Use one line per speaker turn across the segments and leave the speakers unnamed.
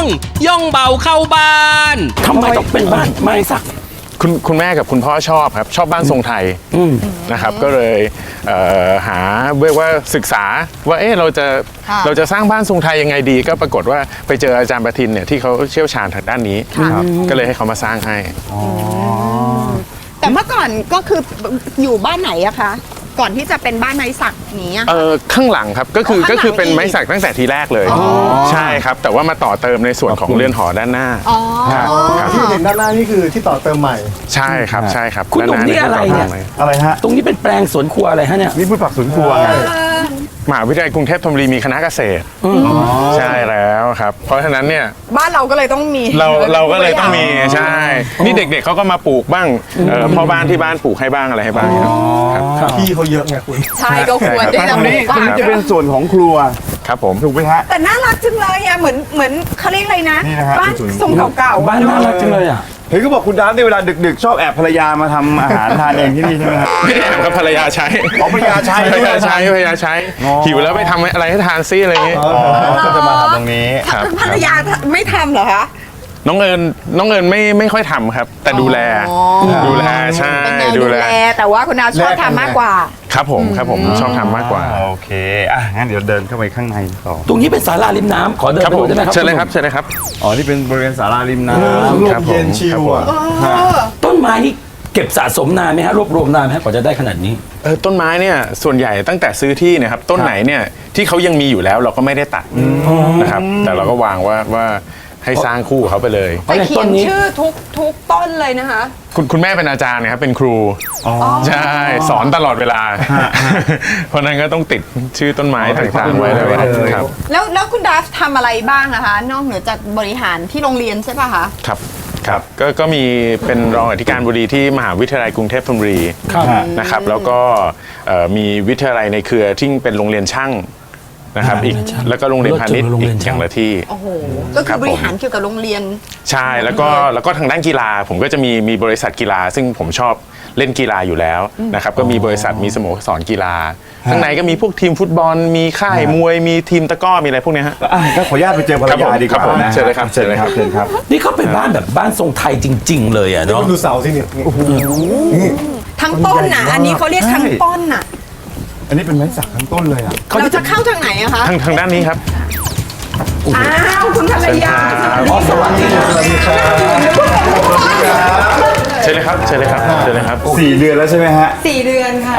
ย่องเบาเข้าบ้าน
ทำไมต้องเป็นบ้านไม้สัก
คุณแม่กับคุณพ่อชอบครับชอบบ้านทรงไทยนะครับก็เลยหาเรียกว่าศึกษาว่าเราจะสร้างบ้านทรงไทยยังไงดีก็ปรากฏว่าไปเจออาจารย์ประทินเนี่ยที่เขาเชี่ยวชาญทางด้านนี้ก็เลยให้เขามาสร้างให้
แต่เมื่อก่อนก็คืออยู่บ้านไหนอะคะก่อนที่จะเป็นบ้านไม้สักนี้
ข้างหลังครับก็คือเป็นไม้สักตั้งแต่ทีแรกเลยใช่ครับแต่ว่ามาต่อเติมในส่วนของเรือนหอด้านหน้า
ที่เห็นด้านหน้านี่คือที่ต่อเติมใหม่
ใช่ครับใช่ครับ
คุณตรงนี้อะไรเนี่ย
อะไรฮะ
ตรงนี้เป็นแปลงสวนครัวอะไรฮะเนี่ย
นี่พืชผักสวนครัวไง
มหาวิทยาลัยกรุงเทพธนบุรีมีคณะเกษตรใช่แล้วครับเพราะฉะนั้นเนี่ย
บ้านเราก็เลยต้องมี
เราก็เลยต้องมีใช่นี่เด็กๆเขาก็มาปลูกบ้างพ่อบ้านที่บ้านปลูกให้บ้างอะไรให้บ้าง
ครับที่เขาเยอะไงคุณ
ใช่ก็ควรที่จะปลูกบ้าน
จะเป็นส่วนของครัว
ครับผม
ถูกไหมฮะ
แต่น่ารักจังเลยอะเหมือนเขาเรียกอะไรนะบ้านทรงเก่า
ๆบ้านน่ารักจังเลยอ่ะ
เห็นก็บอกคุณดาร์ฟในเวลาดึกๆชอบแอบภรรยามาทำอาหารทานเองที่นี่ใช่ไหมครับ
ไม่ได้แอบครับภรรยาใช้
ภรรยาใช้
หิวแล้วไปทำอะไรให้ทานซิอะไรอย่างเงี้ย
ก็จะมาทำตรงนี้
ภรรยาไม่ทำเหรอคะ
น้องเอิญไม่ค่อยทำครับแต่ดูแลใช่
ดูแลแต่ว่าคุณดาชอบทำมากกว่า
ครับผมชอบทำมากกว่า
โอเคงั้นเดี๋ยวเดินเข้าไปข้างในต่อ
ตรงนี้เป็นศาลาริมน้ำขอเดินไปดูได้ไหมครับ
เชิญเลยครับ
อ๋อนี่เป็นบริเวณศาลาริมน้ำ
ครับ
เย็นชิล
ต้นไม้นี่เก็บสะสมนานไหมฮะรวบรวมนานไหมกว่าจะได้ขนาดนี้
ต้นไม้เนี่ยส่วนใหญ่ตั้งแต่ซื้อที่เนี่ยครับต้นไหนเนี่ยที่เขายังมีอยู่แล้วเราก็ไม่ได้ตัดนะครับแต่เราก็วางว่าให้สร้างคู่เขาไปเลย
แต่เขียนชื่อทุกต้นเลยนะคะ
คุณแม่เป็นอาจารย์นะครับเป็นครูใช่สอนตลอดเวลาเพราะนั้นก็ต้องติดชื่อต้นไม้ต่างๆไว้เลยครับ
แล้วคุณดาฟทำอะไรบ้างนะคะนอกเหนือจากบริหารที่โรงเรียนใช่ป่ะคะ
ครับก็มีเป็นรองอธิการบดีที่มหาวิทยาลัยกรุงเทพธนบุรีนะครับแล้วก็มีวิทยาลัยในเครือที่เป็นโรงเรียนช่างนะครับอีกแล้วก็โรงเรียนพาณิชย์อีกอย่างละที่
โอ้โหก็คือบริหารเกี่ยวกับโรงเรียน
ใช่แล้วก็ทางด้านกีฬาผมก็จะมีบริษัทกีฬาซึ่งผมชอบเล่นกีฬาอยู่แล้วนะครับก็มีบริษัทมีสโมสรกีฬาข้างในก็มีพวกทีมฟุตบอลมีค่ายมวยมีทีมตะกร้อมีอะไรพวกนี้ฮะ
ก็ขออนุญาตไปเจอภรรยาดีกว่านะ
เชิญเลยครับ
นี่เขาเป็นบ้านแบบบ้านทรงไทยจริงๆเลยอ่ะเนาะ
ดูเสาที่นี่
ทั้งต้นน่ะอันนี้เขาเรียกทั้งต้นน่ะ
อันนี้เป็นไม้สักทั้งต้นเลย
เราจะเข้าทางไหนอะคะ
ทางด้านนี้ครับ
คุณภรรยา
สวัสดี
เชิญเลยครับ
4 เดือนแล้วใช่ไหมฮะ
4 เดือนค่ะ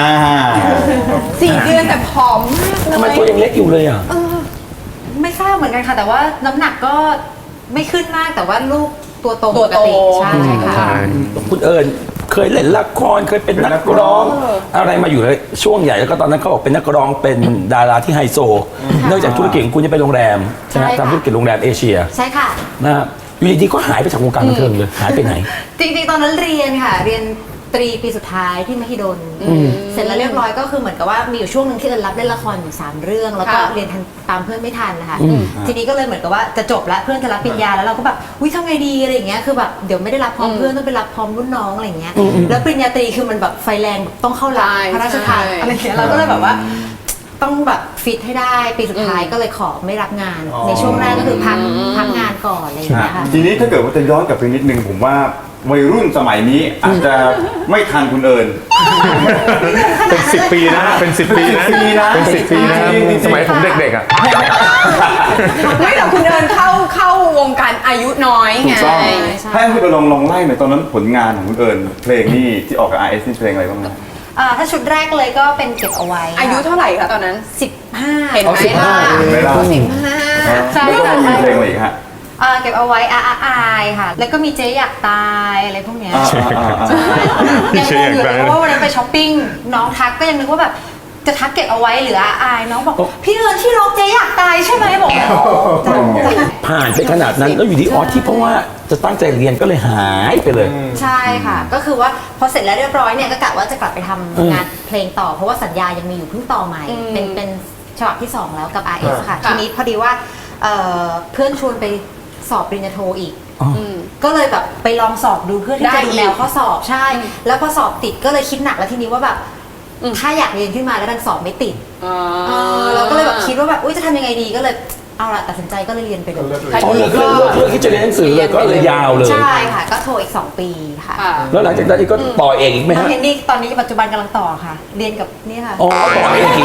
4 เดือนแต่ผอมมากเลย
ทำไมตัวยังเล็กอยู่เลยอ่ะ
ไม่ทราบเหมือนกันค่ะแต่ว่าน้ำหนักก็ไม่ขึ้นมากแต่ว่าลูกตัวโตปกติใช่ค่ะ
คุณเอิญเคยเล่นละครเคยเป็นนักร้องอะไรมาอยู่เลยช่วงใหญ่แล้วก็ตอนนั้นเขาบอกเป็นนักร้องเป็นดาราที่ไฮโซเนื่องจากธุรกิจของคุณจะเป็นโรงแรมใช่ไหมทำธุรกิจโรงแรมเอเชีย
ใช่ค่ะ
นะครับอยู่ดีๆก็หายไปจากวงการบันเทิงเลยหายไปไหน
จริงๆตอนนั้นเรียนค่ะเรียนตรีปีสุดท้ายที่มหิดลเสร็จแล้วเรียบร้อยก็คือเหมือนกับว่ามีอยู่ช่วงนึงที่เอิญรับเล่นละครอยู่3 เรื่องแล้วก็เรียนทันตามเพื่อนไม่ทันนะคะทีนี้ก็เลยเหมือนกับว่าจะจบแล้วเพื่อนจะรับปริญญาแล้วเราก็แบบทำไงดีอะไรอย่างเงี้ยคือแบบเดี๋ยวไม่ได้รับพร้อมเพื่อนต้องไปรับพร้อมรุ่นน้องอะไรอย่างเงี้ยแล้วปริญญาตรีคือมันแบบไฟแรงต้องเข้ารับพระราชทานอะไรอย่างเงี้ยเราก็เลยแบบว่าต้องแบบฟิตให้ได้ปีสุดท้ายก็เลยขอไม่รับงานในช่วงแรกก็คือพักงานก่อนอะไรอย่างเงี้ยค่ะ
ทีนี้ถ้าเกิดว่าจะย้อนกลับไปนิดนึงผมว่าวัยรุ่นสมัยนี้อาจจะไม่ทันคุณเอิญ
เป็น10 ปีนะเป็น10 ปีนะสมัยผมเด็กๆ
ไม่แต่คุณเอิญเข้าวงการอายุน้อยไง
ให้คุณเอิญลองไล่หน่อยตอนนั้นผลงานของคุณเอิญเพลงนี่ที่ออกกับ RS นี่เพลงอะไรบ้างนะ
ถ้าชุดแรกเลยก็เป็นเก็บเอาไว้
อายุเท่าไหร่คะตอนนั้น
15
เห็นไหม
ล่ะ
ใช่
ก็มีเพลงอะไรอีกฮะ
เก็บเอาไว้ค่ะแล้วก็มีเจ๊อยากตายอะไรพวกเนี้ยยังงงอยู่เลยเพราะว่าวันนั้นไปช้อปปิ้งน้องทักก็ยังนึกว่าแบบจะทักเก็บเอาไว้หรือน้องบอกพี่เอิญที่ร้องเจ๊อยากตายใช่ไหมบอก
ผ่านไปขนาดนั้นแล้วอยู่ดีที่เพราะว่าจะตั้งใจเรียนก็เลยหายไปเลย
ใช่ค่ะก็คือว่าพอเสร็จแล้วเรียบร้อยเนี่ยก็กะว่าจะกลับไปทำงานเพลงต่อเพราะว่าสัญญายังมีอยู่เพิ่งต่อใหม่เป็นฉบับที่2แล้วกับ RS ค่ะทีนี้พอดีว่าเพื่อนชวนไปสอบปริญญาโทอีกก็เลยแบบไปลองสอบดูเพื่อที่จะดูแนวข้อสอบใช่แล้วพอสอบติดก็เลยคิดหนักแล้วทีนี้ว่าแบบถ้าอยากเรียนขึ้นมาแล้วดันสอบไม่ติดเราก็เลยแบบคิดว่าแบบจะทำยังไงดีก็เลยเอาละตัดสินใจก็เลยเรียนไปเลย
อ๋อเลยก็เลือกที่จะเรียนหนังสือเลยก็เลยยาวเลย
ใช่ค่ะ ก็โทรอีก 2 ปีค่ะ
ค่ะ
แล้วหลังจากนั้นก็ต่อเองอีกไหม
น้อง
ฮะ
เฮนนี่ตอนนี้ปัจจุบันกำลังต่อค่ะ เรียนกับนี่ค่ะ
อ๋อต่อเองอีก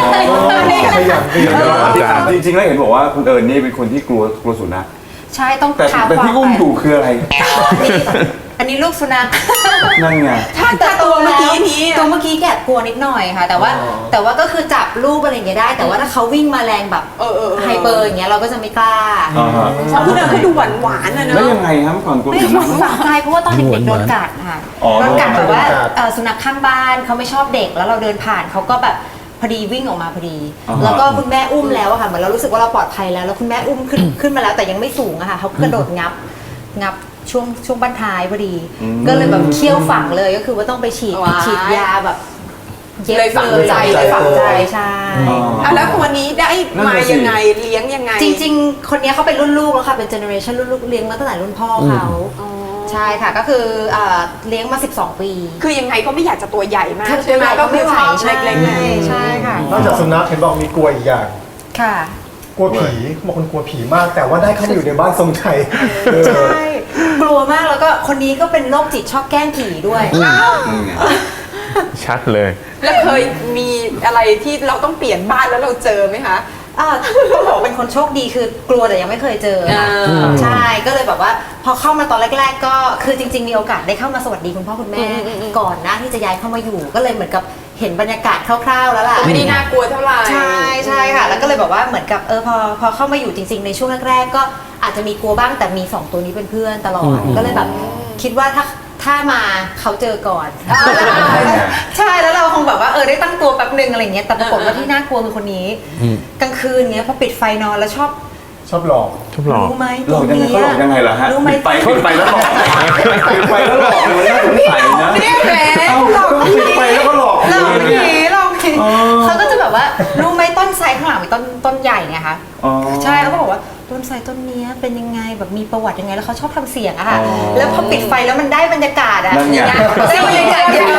จริงๆแล้วเห็นบอกว่าคุณเอิญนี่เป็นคนที่กลัวสุนัข
ใช่ต้อง
แต่
ขา
แต่ที่อุ้มอยู่คืออะไร
อันนี้ลูกสุนัข
นั่นไง
ถ้าตัวเมื่อกี้นี้อะ
ตัวเมื่อกี้แกะกลัวนิดหน่อยค่ะ แต่ว่าก็คือจับลูกอะไรอย่างเงี้ยได้ แต่ว่าถ้าเขาวิ่งมาแรงแบบไฮเปอร์อย่างเงี้ยเราก็จะไม่กล้า
เพราะคุณเอิญเขาดูหวานๆนะเน
แล้ว
อะ
ยังไงครับก่อนกลัว
ไม่
สุ
ห
นั
วั
ข
งฝังใจเพราะว่าตอนเด็กๆโดนกัดค่ะ
อ๋อ
โดนกัดแบบว่า
โดนกัด
สุนัขข้างบ้านเขาไม่ชอบเด็กแล้วเราเดินผ่านเขาก็แบบพอดีวิ่งออกมาพอดี แล้วก็คุณแม่อุ้มแล้วอะค่ะเหมือนเรารู้สึกว่าเราปลอดภัยแล้วคุณแม่อุ้มขึ้นมาแล้วแต่ยังไม่สูงอะค่ะเขากระโดดงับช่วงบั้นท้ายพอดี ก็เลยแบบเคี้ยวฝังเลยก็คือว่าต้องไปฉีดยาแบบเย็บ
เลยฝังใจเลย
ฝังใจใช่
อ่ะแล้วคนนี้ได้มายังไงเลี้ยงยังไง
จริงๆ คนนี้เขาเป็นรุ่นลูกแล้วค่ะเป็นเจเนอเรชันรุ่นลูกเลี้ยงมาตั้งแต่รุ่นพ่อเขาใช่ค่ะก็คือเลี้ยงมา 12 ปี
คือยังไงก็ไม่อยากจะตัวใหญ่มาก
ถ้า
ใช่ไหม
ก็ไม่ไหว
ชอบ
ใช่
เล็กๆเนี่ย
ใช่ค่ะ
นอกจากสุนัขเห็นบอกมีกลัวอีกอย่าง
ค่ะ
กลัวผีบอกคนกลัวผีมาก แต่ว่าได้เข้ามาอยู่ในบ้านทรงชัย
ใช่กลัวมากแล้วก็คนนี้ก็เป็นโรคจิตชอบแกล้งผีด้วย
ชัดเลย
แล้วเคยมีอะไรที่เราต้องเปลี่ยนบ้านแล้วเราเจอไหมคะ
ต้องบอกเป็นคนโชคดีคือกลัวแต่ยังไม่เคยเจอค่ะใช่ก็เลยแบบว่าพอเข้ามาตอนแรก ๆ ก็คือจริง ๆ มีโอกาสได้เข้ามาสวัสดีคุณพ่อคุณแม่ก่อนหน้าที่จะย้ายเข้ามาอยู่ก็เลยเหมือนกับเห็นบรรยากาศคร่าวๆแล้วล่ะ
ไม่ได้น่ากลัวเท่าไหร่
ใช่ค่ะ แล้วก็เลยแบบว่าเหมือนกับพอเข้ามาอยู่จริง ๆ ในช่วงแรกๆก็อาจจะมีกลัวบ้างแต่มี2ตัวนี้เป็นเพื่อนตลอดก็เลยแบบคิดว่าถ้ามาเขาเจอก่อนใช่แล้วเราคงแบบว่าได้ตั้งตัวแป๊บนึงอะไรเงี้ยแต่ปรากฏว่าที่น่ากลัวคือคนนี้กลางคืนเงี้ยพอปิดไฟนอนแล้วชอบ
ชอบหลอก
ชอบหลอก
รู้ไหม
หลอกยังไงเขาหลอกยังไงล่ะฮะ
รู้ไหม
ปิดไฟแล้วหลอกปิดไฟแล้วหลอกเลยน่าสงสัยนะ
เนี่ยแหม
เอ้าก็ปิดไฟแล้วก็หลอก
เรา
เลยเนี่ย
ผีเราผีเขาก็จะแบบว่ารู้ไหมต้นไทรข้างหลังมีต้นใหญ่ไงคะ
อ๋อ
ใช่เขาก็บอกว่าต้นไทรต้นเนี้ยเป็นยังไงแบบมีประวัติยังไงแล้วเขาชอบทำเสียงอะค่ะ
อ๋อ
แล้วพอปิดไฟแล้วมันได้บรรยากาศอะ
นั่นไง
อย่างเงี้ยได้บรรยากาศเดียว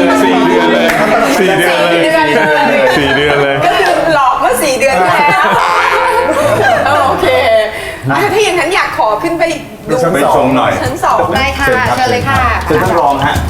4 เดือนเลย 4 เดือนเลย 4 เดือนเลย
ก็คือหลอกเมื่อ4 เดือนที่แล้วโอเคถ้าอย่างนั้นอยากขอขึ้นไปดู
ไปชมหน่อย
ชั้น 2
ได้ค่ะเชิญเลยค่ะ
เชิญท่านรองฮะ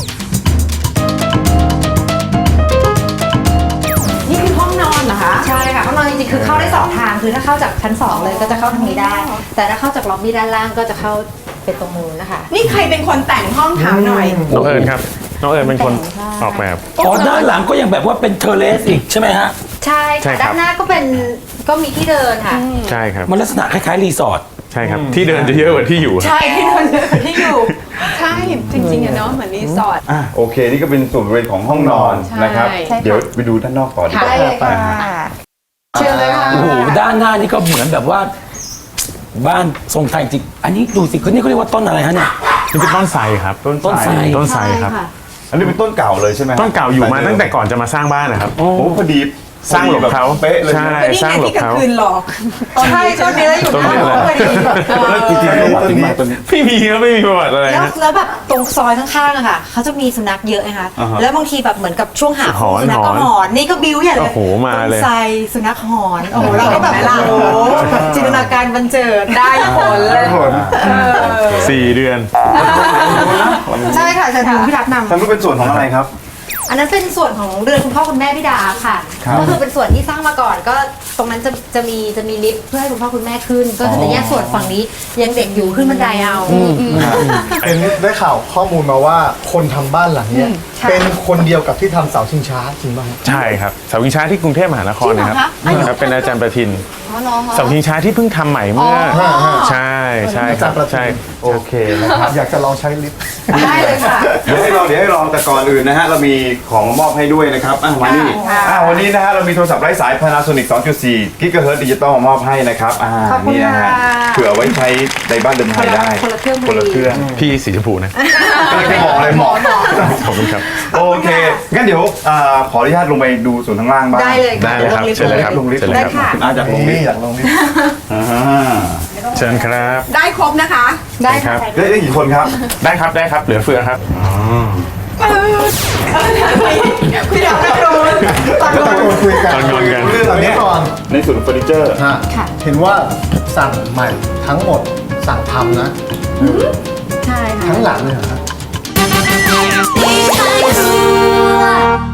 นี่คือห้องนอนเหรอคะ
ใช่ค่ะห้องนอนจริงๆคือเข้าได้2 ทางคือถ้าเข้าจากชั้น 2 เลยก็จะเข้าทางนี้ได้ แต่ถ้าเข้าจากล็อบบี้ด้านล่างก็จะเข้าเป็นตรงนู้นนะคะ
นี่ใครเป็นคนแต่งห้องถามหน่อย
น้องเอิญครับ น้องเอิญเป็นคนออกแบบ
อ๋อด้านหลังก็ยังแบบว่าเป็นเทอร์เลสอีกใช่ไหมฮะ
ใช่
ใช่
ค่ะ
ครับ
ด้านหน้าก็มีที่เดินค่ะ
ใช่ครับ
มันลักษณะคล้ายๆรีสอร์ท
ใช่ครับ ที่เดินจะเยอะกว่าที่อยู่
ใช่ที่เดินที่อยู่
ใช่จริงๆอะเนาะเหมือนรีสอร์ท
โอเค นี่ก็เป็นส่วนบริเวณของห้องนอน
ใช่
นะครับ
ใช่ค่ะ
เดี๋ยวไปดูด้านนอกต่อดีกว่า
ได้เลยค่ะ
เชิญเลยค่ะ
โอ้โหด้านหน้านี่ก็เหมือนแบบว่า บ้านทรงไทยจริงอันนี้ดูสิคนนี้เขาเรียกว่าต้นอะไรฮะเนี่ย
นี่เป็นต้นไทรครับ
ต้นไทร
ต้นไทรครับ
ใช่ะ
อันนี้เป็นต้นเก่าเลยใช่ไหมฮะ
ต้นเก่าอยู่มาตั้งแต่ก่อนจะมาสร้างบ้านนะครับ
โอ้พอดี
สร้างหลบเขา
เป๊ะเลย
ใช่
ก็นี่
สร้าง
ไง
หลบ
ที่กลาง
เขา
คืนหลอก
ใช่ต้นนี้แล้วอยู่
ต้นนี้
หน้า
แหละ
พอดี
แล้วจริงๆแล้วต้นนี้ต้นนี้
ไม่มีครับไม่มีประวัติอะไร
แล้ว
นะ
แล้วแบบตรงซอยข้างๆอะค่ะเขาจะมีสุนัขเยอะนะคะ
อ่าฮะ
แล้วบางทีแบบเหมือนกับช่วงหา
หอน
สุนัขก็
หอน
หอนนี่ก็บิ้วใหญ่เลย
โอ้โหมาเลย
ต้นไทรสุนัขหอนโอ้โหเราก็แบบ
เห็นไหมล่ะ
โอ้โหจินตนาการบันเจิด
ได้ผลเลย
4 เดือน
ใช่ค่ะเชิญทางพี่รัตนำ
ทางนู้นเป็นส่วนของอะไรครับ
อันนั้นเป็นส่วนของเรือนคุณพ่อคุณแม่พี่ดาค่ะ
ครับ
ก็คือเป็นส่วนที่สร้างมาก่อนก็ตรงนั้นจะมีลิฟต์เพื่อให้คุณพ่อคุณแม่ขึ้น ก็คือจะแยกส่วนฝั่งนี้ยังเด็กอยู่ขึ้นบันไดเอา
เห็นได้ข่าวข้อมูลมาว่าคนทำบ้านหลังเนี้ย
ค่ะ
เป็นคนเดียวกับที่ทำเสาชิงช้าจริงป่ะฮะ
ใช่ครับเสาชิงช้าที่กรุงเทพมหานครนะครับครับเป็นอาจารย์ประทินเสาชิงช้าที่เพิ่งทำใหม่เมื่อใช่ใช่
อา
ค
จา
รั
ร
บ
ย์ประทิน
ใช่
โอเคนะครับ
อยากจะลองใช้ลิฟต์
ได้เลยค่ะ
เดี๋ยวให้ลองแต่ก่อนอื่นนะฮะเรามีของมามอบให้ด้วยนะครับมานี่วันนี้นะฮะเรามีโทรศัพท์ไร้สาย Panasonic 2.4 GHz ดิจิตอลมามอบให้นะครับ
ขอบคุณ
นี่นะฮะ
ค่ะ
เผื่อไว้ใช้ในบ้านเดิมไทยได้
คนละเครื่องพอดี
คนละเครื่อง
พี่สีชมพูนะ
ไม่เหมาะเลยเหมาะ
ขอบคุณครับ
โอเคงั้นเดี๋ยวขออนุญาตลงไปดูส่วนข้างล่างบ้าง
ได้เลย
ได้เลยครับ
ดี๋ว
เชิญเลยครับ
ลงลิฟต์
เชิญเลย
ได้
ครับ
ค่ะ
คุณอาจากลงลิ
นี่
ฟต์
อยากลองลิฟต์
อ่า
เชิญครับ
ได้ครบนะคะ
ได้ค่ะ
ครับ
ได้กี่คนครับ
ได้ครับได้ครับเหลือเฟือครับ
คุยดับนักโดนตอน
ก็
โด
ตะ
น
โกนคุยกัน
ตอนงอนกัน
เรื่องเหล่านี้
ก่อน
ในส่วนของเฟอร์นิเจอร์
ฮะเห็นว่าสั่งใหม่ทั้งหมดสั่งทำนะ
ใช่ค่ะ
ทั้งหลังเลยเหรอครับ